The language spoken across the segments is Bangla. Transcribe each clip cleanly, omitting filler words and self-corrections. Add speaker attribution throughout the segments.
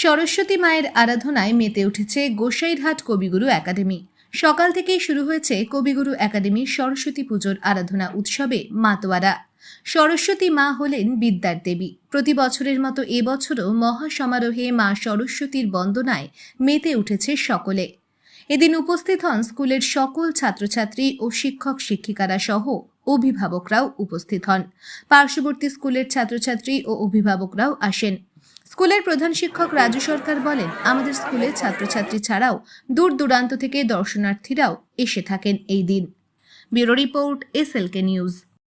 Speaker 1: সরস্বতী মায়ের আরাধনায় মেতে উঠেছে গোসাইরহাট কবিগুরু একাডেমি। সকাল থেকেই শুরু হয়েছে কবিগুরু একাডেমির সরস্বতী পুজোর আরাধনা উৎসবে মাতোয়ারা। সরস্বতী মা হলেন বিদ্যার দেবী। প্রতি বছরের মতো এবছরও মহা সমারোহে মা সরস্বতীর বন্দনায় মেতে উঠেছে সকলে। এদিন উপস্থিত হন স্কুলের সকল ছাত্রছাত্রী ও শিক্ষক শিক্ষিকারা সহ অভিভাবকরাও উপস্থিত হন। পার্শ্ববর্তী স্কুলের ছাত্রছাত্রী ও অভিভাবকরাও আসেন। স্কুলের প্রধান শিক্ষক রাজু সরকার বলেন, আমাদের স্কুলে ছাত্রছাত্রী ছাড়াও দূর দূরান্ত থেকে দর্শনার্থীরাও এসে থাকেন এই দিন। Bureau report, SLK news.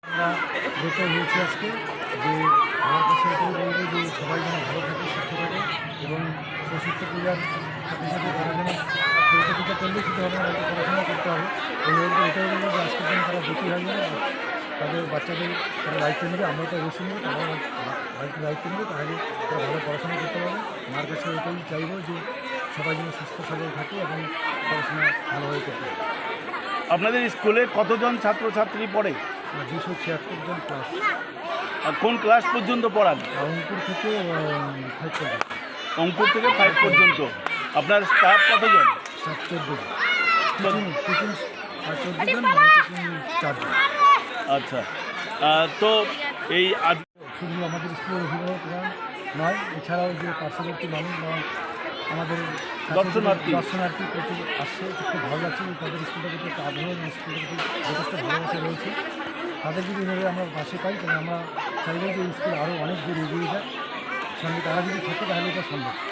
Speaker 2: সবাই যেন ভালো থাকে, সুস্থ থাকে এবং সরস্বতী পূজার সাথে সাথে তারা যেন সরস্বতী পূজা করলেই শুধু হবে না, পড়াশোনা করতে হবে। এই এটাই বলবো যে আজকের দিন তারা বেশি হয়ে যাবে, তাদের বাচ্চাদের তারা দায়িত্ব নেবে, আমরা তো অবশ্যই নেবে, তারা দায়িত্ব নেবে, তাহলে তারা ভালো পড়াশোনা করতে পারবে। মার কাছে এটাই চাইবো যে সবাই যেন সুস্থ সবল থাকে এবং পড়াশোনা ভালোভাবে করতে পারে।
Speaker 3: আপনাদের স্কুলে কতজন ছাত্রছাত্রী পড়ে?
Speaker 2: 276 জন ক্লাস।
Speaker 3: আর কোন ক্লাস পর্যন্ত পড়ান?
Speaker 2: অঙ্কুর থেকে 5 পর্যন্ত।
Speaker 3: অঙ্কুর থেকে 5 পর্যন্ত। আপনার স্টাফ কতজন?
Speaker 2: 14 জন। টিচিং 14 জন, টিচিং 4 জন।
Speaker 3: আচ্ছা, তো এই
Speaker 2: শুধু আমাদের স্কুলের অভিভাবকরা নয়, এছাড়াও যে পার্শ্ববর্তী মানুষ বা আমাদের দর্শনার্থী প্রচুর আসছে, খুব ভালো লাগছে। তাদের স্কুলটা কিন্তু একটা আগ্রহ, স্কুলটা কিন্তু যথেষ্ট ভালোবাসা রয়েছে। তাদের যদি এভাবে আমরা পাশে পাই তাহলে আমরা চাইবো যে স্কুল আরও অনেক দূর এগিয়ে যায়, সঙ্গে তারা যদি থাকে তাহলে এটা সম্ভব।